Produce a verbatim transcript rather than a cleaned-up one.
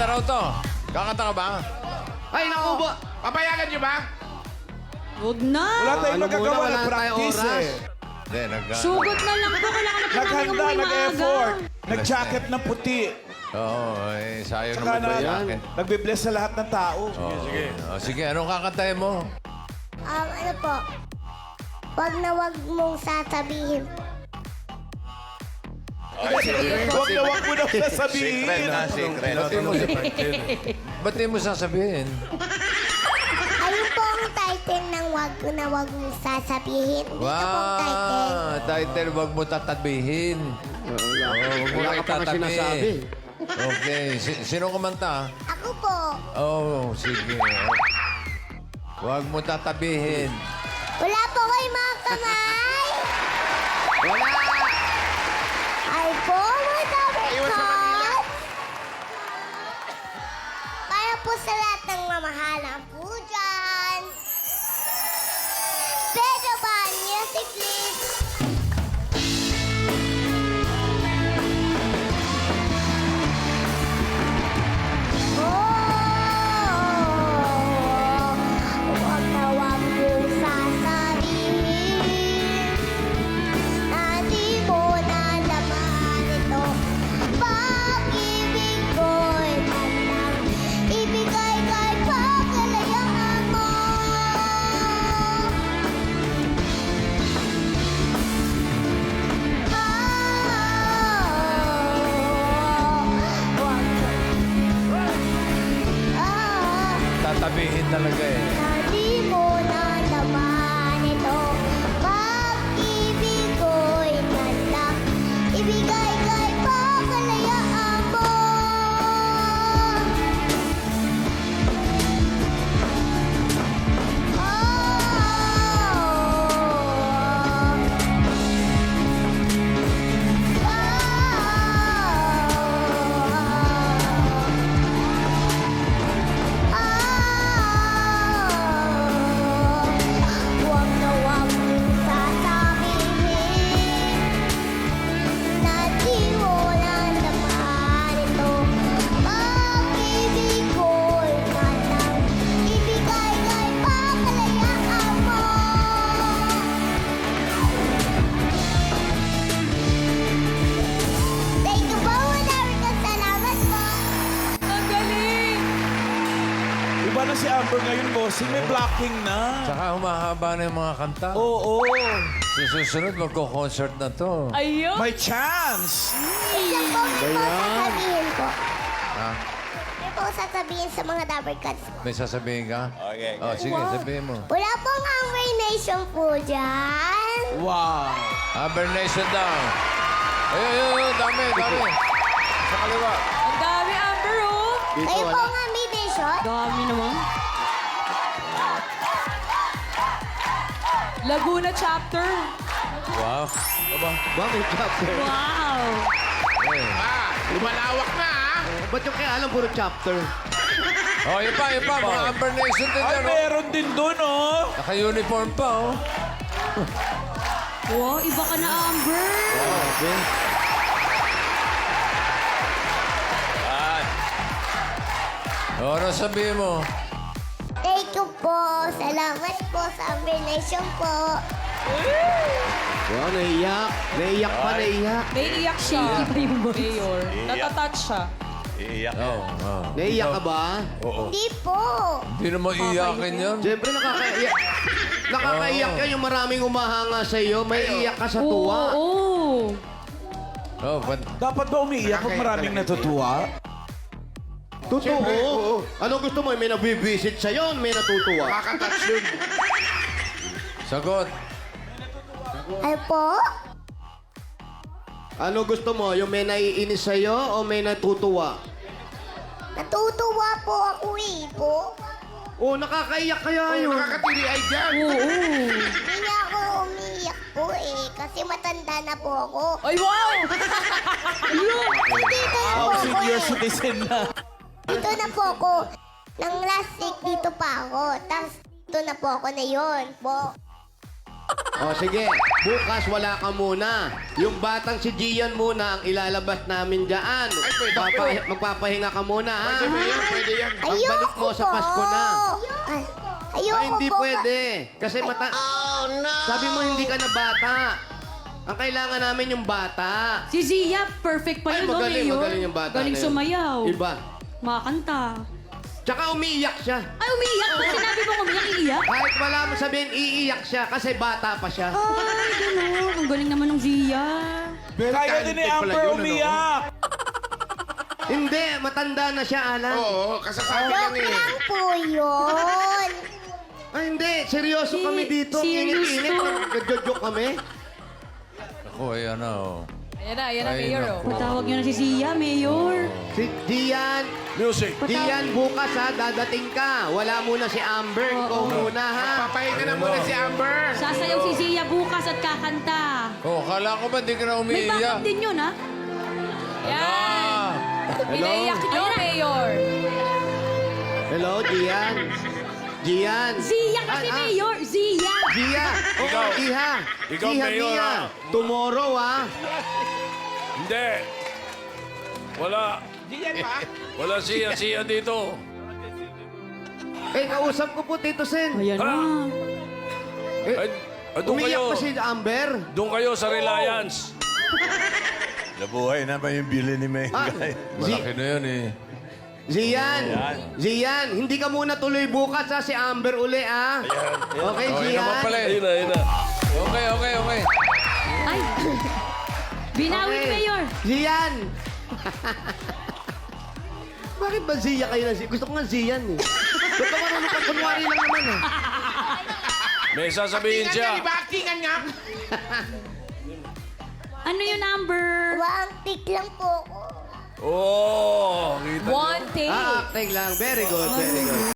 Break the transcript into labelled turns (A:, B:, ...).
A: Kakanta raw to. Kakanta ka ba?
B: Ay, naku ba?
C: Papayagan niyo ba?
D: Huwag na.
E: Wala tayong
B: Ano
E: magagawa
B: muna,
E: ng
B: wala tayong
E: practice
B: oras.
E: eh.
A: Hindi, nag...
D: Sugot na lang po. Kailangan na
E: Naghanda,
D: namin umuwi
E: nag-effort.
D: maaga.
E: Nag-jacket ng puti.
A: Oo, eh, sayang
E: Tsaka
A: naman ba
E: na,
A: yung akin?
E: nagbe-bless sa lahat ng tao.
A: Sige, sige. Oh, sige, anong kakantahin mo?
F: Um, ano po? Wag na wag mong sasabihin.
E: Huwag na huwag mo na sasabihin.
A: Secret na, secret. Ba't mo, ba't di mo sasabihin?
F: Ayun po ang title ng wag na wag mong sasabihin. Dito po ang title.
A: Wow! Title, wag mo tatabihin.
B: Wala,
A: Oo, wag mo
B: wala
A: lang
B: ka pa kasi
A: itatabi.
B: sinasabi.
A: Okay. Si- sino kumanta?
F: Ako po.
A: Oh, sige. Wag mo tatabihin.
F: Wala po kayo mga kamay.
B: Wala!
F: Ay po, mga dabarkot. Para po sa lahat ng mamahalang po dyan. Pedro ba? Music please. Oh, wag na wag mong sasabihin na di mo nalaman ito. Pag-ibig ko'y handang ibigay kay pagkalayaan mo. Ah,
A: Tatabihin talaga eh.
F: na di mo nalaman ito. Pag-ibig ko'y handang ibigay kay pagkalayaan mo. Huwag na huwag mong sasabihin na di mo nalaman ito. Pag-ibig ko'y handang ibigay kay pagkalayaan mo. Thank you po, madami kang salamat po.
D: Ang galing.
E: Iba na si Amber ngayon, bossing. May blocking na.
A: Saka humahaba na yung mga kanta.
E: Oo.
A: Sa susunod, magko-concert na to.
D: Ayun.
E: May chance.
F: Isa po, may po sasabihin po.
A: Ha?
F: May po sasabihin sa mga dabarkats.
A: May sasabihin ka? Okay. Oh, sige, sabihin mo.
F: Wala pong Amber Nation po dyan.
E: Wow.
A: Amber Nation daw. Ayun, ayun, ayun. Dami, dami. Sa kaliwa.
D: Ang dami, Amber, oh.
B: Dito
F: Kayo po
B: wala.
F: ang Amber Nation.
D: Dami naman. Laguna chapter.
A: Wow. Aba.
B: Bakit chapter?
D: Wow.
A: Eh.
C: Ah, lumalawak na ah.
B: Ba't yung kaya alam puro chapter?
A: Oh, yun pa, yun pa. Mga Amber Nation din
E: Ay,
A: yan, oh.
E: meron din doon, oh.
A: Naka-uniform pa, oh.
D: Wow, iba ka na, Amber.
A: Oh, ano sabihin mo?
F: Thank you po. Salamat po sa Amber Nation po.
B: Wow, naiyak. Naiyak pa, naiyak.
D: May iyak siya. Mayor. Natatouch siya.
A: Oh, oh.
B: Naiyak ka ba?
F: Hindi po.
A: Hindi naman iyakin yan.
B: Siyempre, nakakaiyak. Nakakaiyak ka yung maraming umahanga sa iyo. May iyak ka sa tuwa.
D: Oo.
A: Oh, but,
E: Dapat ba umiiyak pag maraming natutuwa?
B: Totoo. Ano gusto mo? May nabibisit sa'yo, may natutuwa.
C: Makakatouch yun.
A: sagot.
F: Ay po?
B: Ano gusto mo? Yung may naiinis sa'yo o may natutuwa?
F: Natutuwa po ako eh po.
B: Oh, nakakaiyak kaya yun.
C: Nakakatiri ay dyan.
F: Hindi na ako umiiyak po eh. Kasi matanda na po ako.
D: Ay, wow!
F: Dito na po
E: Oh,
F: ako
E: senior
F: eh.
E: citizen na.
F: Dito na po ako. Nang last week dito pa ako. Tapos dito na po ako na yon po.
B: O sige, bukas wala ka muna. Yung batang si Gian muna ang ilalabas namin dyan.
C: pwede,
B: Papa-
C: pwede.
B: magpapahinga ka muna, ha?
C: Pwede ba yan? Pwede yan.
B: Pagbalik
F: Ayoko
B: mo sa
F: po.
B: Pasko na.
F: Ay, ayoko
B: Ay, hindi
F: po.
B: pwede. Kasi mata... Sabi mo hindi ka na bata. Ang kailangan namin yung bata.
D: Si Zia, perfect pa
B: Ay,
D: yun, no,
B: magaling,
D: Mayor?
B: magaling yung bata
D: Galing
B: na yun.
D: sumayaw.
B: Iba.
D: Makakanta.
B: Tsaka umiiyak siya.
D: Ay, umiiyak. Pag sinabi mo umiiyak, iiyak.
B: Kahit wala mo sabihin, iiyak siya kasi bata pa siya.
D: Ay, gano'n. Ang galing naman ng Zia.
E: Kaya din ni
C: talented pala
E: Amber
C: yun, ano?
E: umiyak.
B: Hindi, matanda na siya, Alan.
C: Oo, kasasabi lang
F: Joke
C: eh.
F: lang po yun.
B: Ay, hindi. Seryoso
D: Si-
B: kami dito. Ang
D: serious
B: init-init.
D: to.
B: Nagjojoke kami.
A: Ako, ayan na, oh.
D: Ayan na, ayan
A: na, Mayor, oh.
D: Patawag niyo na si Zia, Mayor.
B: Si Gian.
A: Music.
B: Gian, bukas ha, dadating ka. Wala muna si Amber. Ikaw muna, ha?
C: Papahinga na muna si Amber.
D: Sasayaw si Zia bukas at kakanta.
A: Oh, kala ko ba hindi ka na
D: May
A: umiiyak?
D: backup din yun, ha?
A: Ah,
D: Pinaiyak niyo, Mayor.
B: Hello, Gian. Gian.
D: Zia kasi,
B: Ah, ah.
D: Mayor. Zia.
B: Gia. Oo,
G: Ikaw.
B: Iha.
G: Ikaw,
B: Iha,
G: Mayor,
B: Mia.
G: ah.
B: Tomorrow, ha?
G: Hindi. Wala.
C: Diyan pa.
G: Wala siya-siya dito.
B: Eh, kausap ko po, Tito Sen.
D: Ayan na.
B: Eh,
G: Ay, ay, doon
B: umiyak
G: kayo.
B: pa si Amber.
G: Doon kayo sa Reliance.
H: Nabuhay naman yung bili ni
B: Ah,
H: Mengay.
B: Zi-
A: malaki na yun, eh.
B: Zian, Zian, hindi ka muna tuloy bukas ha, si Amber uli ha. Okay,
A: Oh, yun naman
B: Zian?
A: pala, eh.
G: Ayun na, ayun na.
A: Okay, okay, okay.
D: Ay. Binawi ni Mayor.
B: Zian! Bakit ba Zia kayo na Zia? Gusto ko nga Zian eh. Ba't ka marunong ka? Kunwari lang naman eh.
G: May sasabihin
C: Actingan
G: siya.
C: nga, iba actingan nga.
D: Ano yung number?
F: One tick lang po ako.
G: Oh, kita niyo.
D: One take.
B: Ah, acting lang. Very good, very good.